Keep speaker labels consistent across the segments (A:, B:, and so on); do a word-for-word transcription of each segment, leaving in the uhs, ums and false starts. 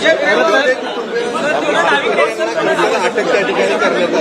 A: अटक त्या ठिकाणी करण्यात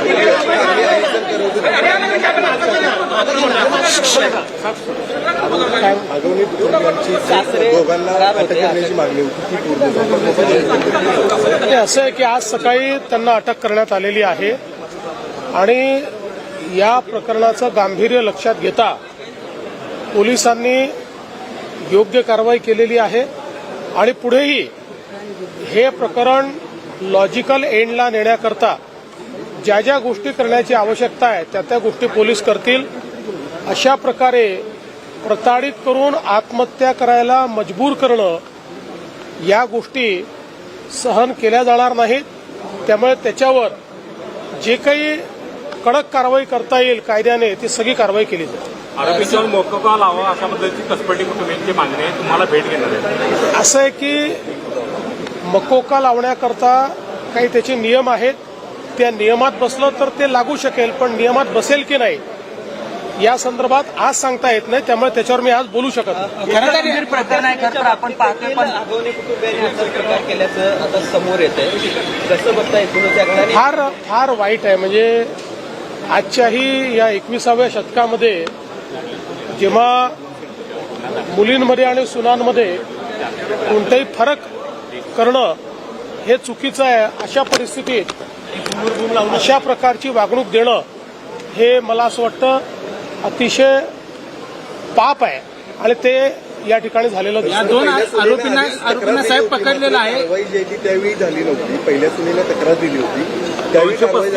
A: आगवणी कुटुंबियांची दोघांना अटक करण्याची मागणी होती ती पूर्ण झाली।
B: असं आहे की आज सकाळी त्यांना अटक करण्यात आलेली आहे आणि या प्रकरणाचं गांभीर्य लक्षात घेता पोलिसांनी योग्य कारवाई केलेली आहे आणि पुढेही हे प्रकरण लॉजिकल एंडला नेण्याकरता ज्या ज्या गोष्टी करण्याची आवश्यकता आहे त्या त्या गोष्टी पोलीस करतील। अशा प्रकारे प्रताडित करून आत्महत्या करायला मजबूर करणं या गोष्टी सहन केल्या जाणार नाहीत। त्यामुळे त्याच्यावर जे काही कडक कारवाई करता येईल कायद्याने ती सगळी कारवाई केली जाईल।
C: आरोपींच्यावर मोकोका लावा अशा पद्धतीची कसपटी कुटुंबियांची मागणी आहे, तुम्हाला भेट घेणार आहे।
B: असं आहे की मकोका लावण्याकरता काही त्याचे नियम आहेत, त्या नियमात बसलं तर ते लागू शकेल, पण नियमात बसेल की नाही या संदर्भात आज सांगता येत नाही, त्यामुळे त्याच्यावर मी आज बोलू शकत नाही।
D: खरं प्रकरण आहे, खरं तर आपण पाहतोय पण आगवणी कुटुंबियांनी असा प्रकार केल्याचं आता समोर येत आहे, कसं बघता येतं?
B: फार फार वाईट आहे। म्हणजे आजच्याही या एकविसाव्या शतकामध्ये जेव्हा मुलींमध्ये आणि सुनांमध्ये कोणताही फरक करणं हे चुकीचं आहे, अशा परिस्थितीत अशा प्रकारची वागणूक देणं हे मला असं वाटतं अतिशय पाप आहे आणि ते या ठिकाणी झालेलं दिसतं।
A: दोन आरोपींना आरोपींना साहेब पकडलेलं आहे। कारवाई जी आहे त्यावेळी झाली नव्हती, पहिल्या सुनीला तक्रार दिली होती त्यावेळी कारवाई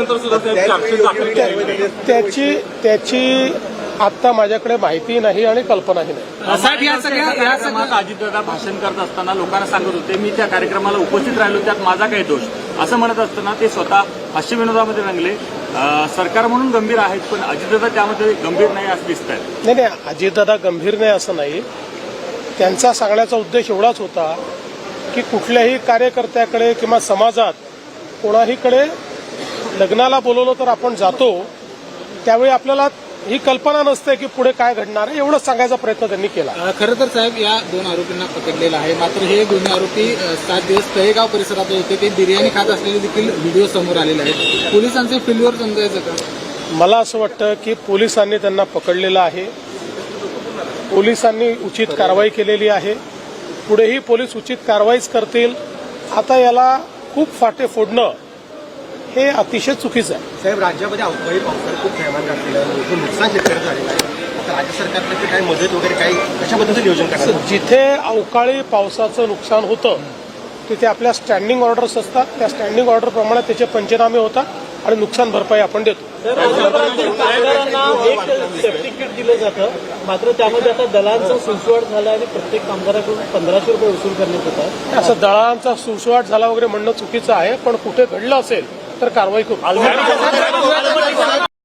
A: झाली,
B: त्याची त्याची आता माझ्याकडे माहिती नाही आणि कल्पनाही नाही।
C: साहेब, या सगळ्या कार्यक्रमात अजितदादा भाषण करत असताना लोकांना सांगत होते मी त्या कार्यक्रमाला उपस्थित राहिलो, त्यात माझा काही दोष असं म्हणत असताना ते स्वतः हास्यविनोदामध्ये रंगले। सरकार म्हणून गंभीर आहेत पण अजितदादा त्यामध्ये गंभीर नाही असं दिसत आहे।
B: नाही नाही, अजितदादा गंभीर नाही असं नाही, त्यांचा सांगण्याचा उद्देश एवढाच होता की कुठल्याही कार्यकर्त्याकडे किंवा समाजात कोणाहीकडे लग्नाला बोलवलं तर आपण जातो, त्यावेळी आपल्याला ही कल्पना नसते की पुढे काय घडणार आहे, एवढंच सांगायचा प्रयत्न त्यांनी केला।
E: खरं तर साहेब या दोन आरोपींना पकडलेलं आहे, मात्र हे दोन्ही आरोपी सात दिवस तळेगाव परिसरात होते, ते बिर्याणी खात असलेले देखील व्हिडिओ समोर आलेले आहेत। पोलिसांचे फेल्युअर समजायचं का?
B: मला असं वाटतं की पोलिसांनी त्यांना पकडलेलं आहे, पोलिसांनी उचित कारवाई केलेली आहे, पुढेही पोलीस उचित कारवाईच करतील। आता याला खूप फाटे फोडणं हे अतिशय चुकीचं आहे।
A: साहेब, राज्यामध्ये अवकाळी पावसानं खूप थैमान घातलेलं आहे, मोठं नुकसान शेतकऱ्याचं झालेलं आहे, आता राज्य सरकारने काही मदत वगैरे काही कशाबद्दलचं नियोजन करणार?
B: जिथे अवकाळी पावसाचं नुकसान होतं तिथे आपल्या स्टँडिंग ऑर्डर्स असतात, त्या स्टँडिंग ऑर्डर प्रमाणे त्याचे पंचनामे होतात आणि नुकसान भरपाई आपण देतो।
F: कामगारांना एक सेफ्टी किट दिलं जातं, मात्र त्यामध्ये आता दलांचा सुसवाट झाला आणि प्रत्येक कामगाराकडून पंधराशे रुपये वसूल करण्यात येतात।
B: असं दळांचा सुसवाट झाला वगैरे म्हणणं चुकीचं आहे, पण कुठे घडलं असेल तर कारवाई करू।